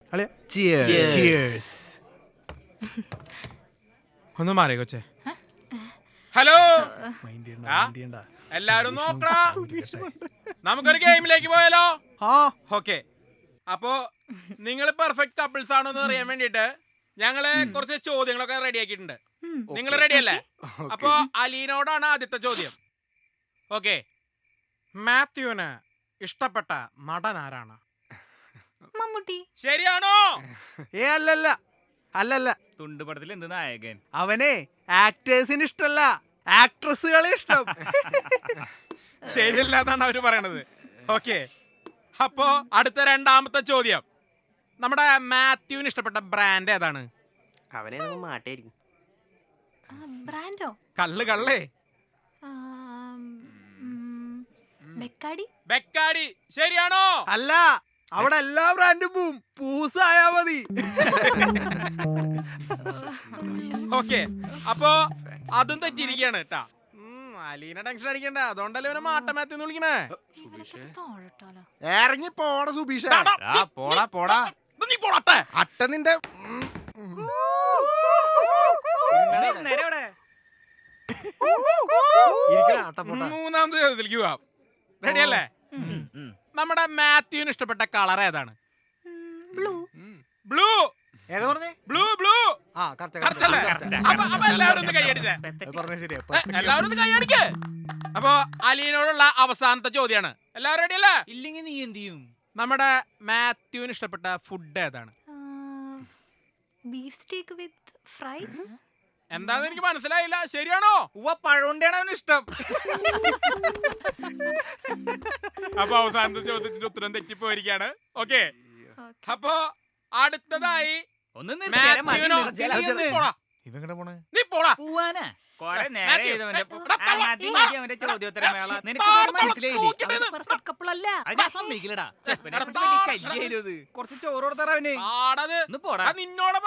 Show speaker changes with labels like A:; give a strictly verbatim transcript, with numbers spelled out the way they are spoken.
A: ഒന്ന് മാറി കൊച്ചേ. ഹലോ, എല്ലാരും നോക്കടാ, നമുക്കൊരു ഗെയിമിലേക്ക് പോയാലോ? ഓക്കെ, അപ്പോ നിങ്ങൾ പെർഫെക്റ്റ് കപ്പിൾസ് ആണോ എന്ന് അറിയാൻ വേണ്ടിട്ട് ഞങ്ങള് കുറച്ച് ചോദ്യങ്ങളൊക്കെ റെഡി ആക്കിയിട്ടുണ്ട്. നിങ്ങൾ റെഡി അല്ലേ? അപ്പോ അലീനോടാണ് ആദ്യത്തെ ചോദ്യം. ഓക്കെ, മാത്യുവിന് ഇഷ്ടപ്പെട്ട നടൻ ആരാണ്?
B: മമ്മൂട്ടി.
A: ശരിയാണോ?
C: ഏ അല്ലല്ല അല്ലല്ല
D: തുണ്ടുപടത്തിൽ എന്ത് നായകൻ?
C: അവനെ ആക്ടേഴ്സിന് ഇഷ്ടല്ല, ആക്ട്രസുകളെ ഇഷ്ടം.
A: ശരിയല്ലാന്നാണ് അവര് പറയണത്. ഓക്കെ, അപ്പോ അടുത്ത രണ്ടാമത്തെ ചോദ്യം, നമ്മുടെ മാത്യുവിന് ഇഷ്ടപ്പെട്ട ബ്രാൻഡ് ഏതാണ്?
E: അവനെ മാട്ടായിരിക്കും.
B: ബ്രാൻഡോ?
A: കള്ള് കള്ളേ.
B: ബെക്കാടി.
A: ബെക്കാടി. ശരിയാണോ?
C: അല്ല, അവിടെ എല്ലാ ബ്രാൻഡും പോവും, പൂസായാ മതി.
A: ഓക്കെ, അപ്പോ അതും തെറ്റിയിരിക്കുകയാണ് കേട്ടാ. അലീന ടെൻഷൻ അടിക്കണ്ട, അതുകൊണ്ടല്ലേ ഇവനെ മാട്ടമാത്തെന്ന് വിളിക്കണേ.
C: ഇറങ്ങി പോട സുബീഷ.
D: പോടാ പോടാ
A: നീ പോടട്ടെ.
C: അട്ട നിന്റെ
A: മൂന്നാമത്തെ ചോദ്യത്തിലേക്ക് പോവാം. റെഡി അല്ലേ? നമ്മുടെ മാത്യുവിന് ഇഷ്ടപ്പെട്ട കളർ ഏതാണ്?
B: ബ്ലൂ.
A: ബ്ലൂ.
C: ഏതാ പറഞ്ഞേ?
A: Blue blue.
C: ആ കറക്റ്റ്
A: Correct അല്ലേ? അപ്പൊ അപ്പൊ എല്ലാവരും ഒന്ന് കൈയടിച്ചേ.
C: പറഞ്ഞ ശരിയാ.
A: ഏ, എല്ലാവരും ഒന്ന് കൈയടിക്ക്. അപ്പൊ അലീനോടുള്ള അവസാനത്തെ ചോദ്യാണ്. എല്ലാവരും റെഡി അല്ലേ?
D: ഇല്ലെങ്കിൽ നീ എന്ത് ചെയ്യും?
A: നമ്മുടെ മാത്യുവിന് ഇഷ്ടപ്പെട്ട ഫുഡ് ഏതാണ്?
B: Beef steak with fries.
A: എന്താന്ന് എനിക്ക് മനസ്സിലായില്ല. ശരിയാണോ?
D: ഉവ്വ, പഴമുണ്ടാണ് അവന് ഇഷ്ടം.
A: അപ്പൊ അവസാനത്തെ ചോദ്യത്തിന്റെ ഉത്തരം തെറ്റിപ്പോയിരിക്കാണ്. ഓക്കെ, അപ്പൊ അടുത്തതായി
D: ഒന്ന്
A: മാത്യുവിനോ
C: ഇവങ്ങടെ പോണേ
A: നീ പോടാ.
D: പോവാനാ കൊറേ നേരെ
A: മാത്യു,
D: ചെയ്തവന്റെ
A: എടാ, തള്ള,
D: ആദ്യം നീ അവന്റെ ചോദ്യോത്തരം വേള നിനക്ക്
A: താഴെ
D: മനസ്സിലായില്ലേ?
A: തൂക്കിട്ടേന്ന്.
D: പെർഫെക്റ്റ് കപ്പിൾ അല്ല, അത് ഞാൻ സമ്മതിക്കില്ലടാ.
A: എടാ, താഴെ
D: കുറച്ച് ചോറ് കൊടുത്തറ അവന്.
A: ആടത്
D: ഒന്ന് പോടാ.
A: നിന്നോട്